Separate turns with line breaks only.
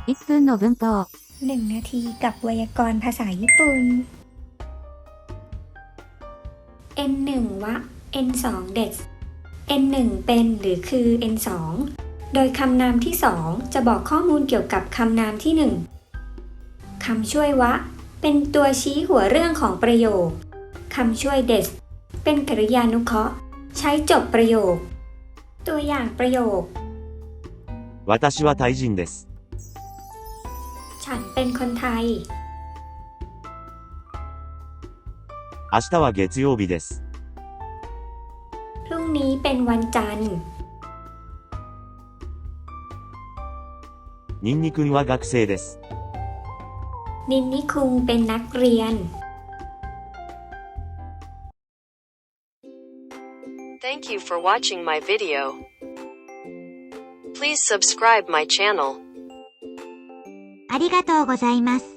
1分の文法
1 นาทีกับไวยากรณ์ภาษาญี่ปุ่น N1 วะ N2 เดส N1 เป็นหรือคือ N2 โดยคำนามที่2จะบอกข้อมูลเกี่ยวกับคำนามที่1คำช่วยวะเป็นตัวชี้หัวเรื่องของประโยคคำช่วยเดสเป็นกริยานุเคราะห์ใช้จบประโยคตัวอย่างประโยค
私はタイ人です。
ฉันเป็นคนไทย
明日は月曜日です。
พรุ่งนี้เป็นวันจันทร์
ニンニ君は学生です。
นินนิคุงเป็นนักเรียน
Thank you for watching my video. Please subscribe my channel.
ありがとうございます。